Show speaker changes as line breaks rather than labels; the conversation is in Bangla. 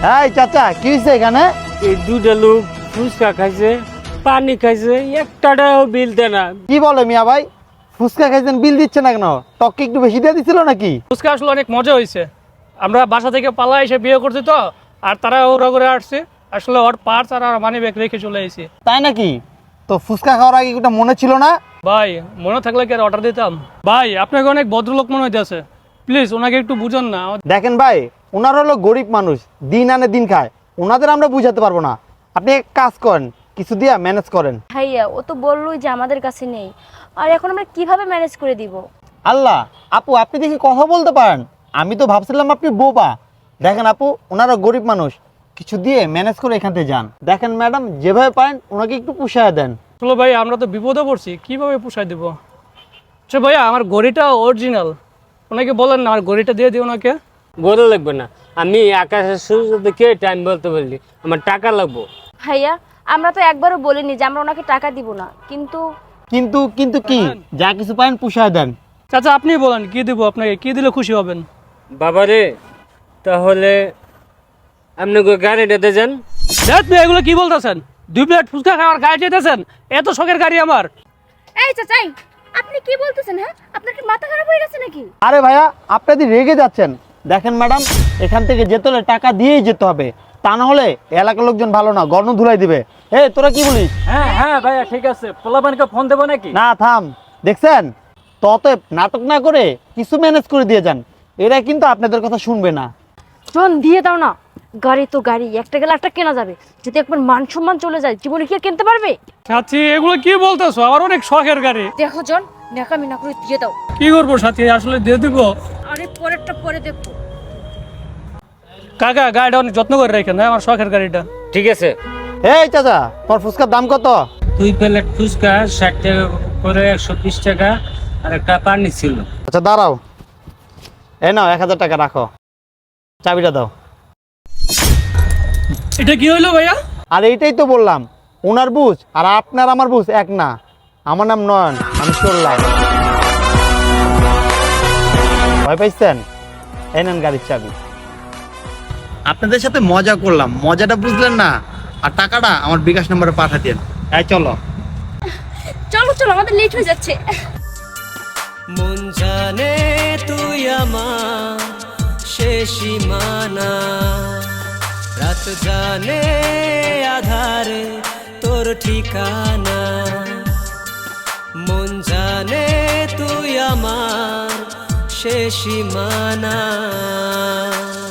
এই চাচা কি হয়েছে এখানে?
এই দুটা লোক ফুচকা খাইছে, পানি খাইছে, একটাও বিল দেয় না।
কি বলে মিয়া ভাই, ফুচকা খাইছেন বিল দিচ্ছে না কেন? টককে একটু বেশি দিয়ে দিছিল নাকি?
ফুচকা আসলে অনেক মজা হয়েছে। আমরা বাসা থেকে পালা এসে বিয়ে করছি তো, আর তারা ওরা করে আসছে। আসলে ওর পার্স আর মানি ব্যাগ রেখে চলে এসেছি।
তাই নাকি? তো ফুচকা খাওয়ার আগে ওটা মনে ছিল না?
ভাই মনে থাকলে কি আর অর্ডার দিতাম? ভাই আপনাকে অনেক ভদ্রলোক মনে হইতেছে, প্লিজ ওনাকে একটু বুঝান না।
দেখেন ভাই, ওনার হলো গরিব মানুষ, দিন আনে দিন খায়, ওনাদের আমরা বুঝাতে পারবো না। আপনি এক কাজ করেন, কিছু দিয়ে ম্যানেজ করেন।
ভাইয়া ও তো বললোই যে আমাদের কাছে নেই, আর এখন আমরা কিভাবে ম্যানেজ করে দিব?
আল্লাহ, আপু আপনি দেখি কথা বলতে পারেন। আমি তো ভাবছিলাম আপনি বোবা। দেখেন আপু, ওনারা গরিব মানুষ, কিছু দিয়ে ম্যানেজ করে এখান থেকে যান। দেখেন ম্যাডাম, যেভাবে পারেন ওনাকে একটু পুষায় দেন।
চলো ভাই, আমরা তো বিপদে পড়ছি, কিভাবে পোষায় দেবো? আচ্ছা ভাইয়া, আমার ঘড়িটা অরিজিনাল, ওনাকে বলেন না আমার ঘড়িটা দিয়ে দিও ওনাকে।
বলে লাগবে না, আমি আকাশের সূর্য দেখে টাইম বলতে পারলি, আমার টাকা লাগবো।
ভাইয়া আমরা তো একবারও বলিনি যে আমরা ওনাকে টাকা দিব না, কিন্তু
কিন্তু কিন্তু কি, যা কিছু পারেন পুষায় দেন।
চাচা আপনি বলেন কি দিব আপনাকে, কি দিলে খুশি হবেন?
বাবারে, তাহলে আপনি গাড়িটা দিয়ে যান।
দেখ ভাই, এগুলো কি বলতেছেন? 2 প্লেট ফুচকা খাওয়ার গাড়ি যেতেছেন? এত শখের গাড়ি আমার।
এই চাচাই, আপনি কি বলতেছেন? হ্যাঁ, আপনার কি মাথা খারাপ হয়ে গেছে নাকি?
আরে ভাইয়া, আপনাদের রেগে যাচ্ছেন। দেখেন ম্যাডাম, এখান থেকে যেতে হলে টাকা দিয়েই যেতে হবে, তা না হলে এলাকার লোকজন ভালো না, গর্ণ ধুলাই দিবে। তোরা কি বলিস?
হ্যাঁ হ্যাঁ ভাইয়া ঠিক আছে, পোলাপানকে ফোন দেবো নাকি?
না থাম, দেখছেন তত নাটক না করে কিছু ম্যানেজ করে দিয়ে যান, এরা কিন্তু আপনাদের কথা শুনবে না।
শোন, দিয়ে দাও না। গাড়ি তো গাড়ি, একটা গেলে একটা কেনা যাবে। যদি একবার মান সম্মান চলে যায়, জীবনে কি আর কিনতে পারবে?
সাথী এগুলো কি বলতেছো? আমার অনেক শখের গাড়ি।
দেখো জন, নেকামি না করে দিয়ে দাও।
কি করবো সাথী, আসলে দিয়ে দিব।
আরে পরেরটা পরে দেখবো।
কাকা গাড়িটা অনেক যত্ন করে রাখেন, হ্যাঁ আমার শখের গাড়িটা।
ঠিক আছে।
এই চাচা, তোর ফুচকার দাম কত?
2 প্লেট ফুচকা 60 টাকা করে, 120 টাকা, আর একটা পানি ছিল।
আচ্ছা দাঁড়াও, এই নাও 1000 টাকা রাখো, চাবিটা দাও।
এটা কি হইলো ভাইয়া?
আর এইটাই তো বললাম, ওনার বুঝ আর আপনার আমার বুঝ এক না। আমার নাম নয়ন, আমি চললাম। ভয় পাইছেন? এই নেন গাড়ির চাবি। আপনাদের সাথে মজা করলাম, মজাটা বুঝলেন না, আর টাকাটা আমার বিকাশ নম্বরে পাঠিয়ে দেন। চলো
চলো চলো, আমাদের লেট হয়ে যাচ্ছে।
মন জানে তুই আমার শেষ সীমানা, রাত জানে আধারে তোর ঠিকানা। মন জানে তুই আমার শেষ সীমানা।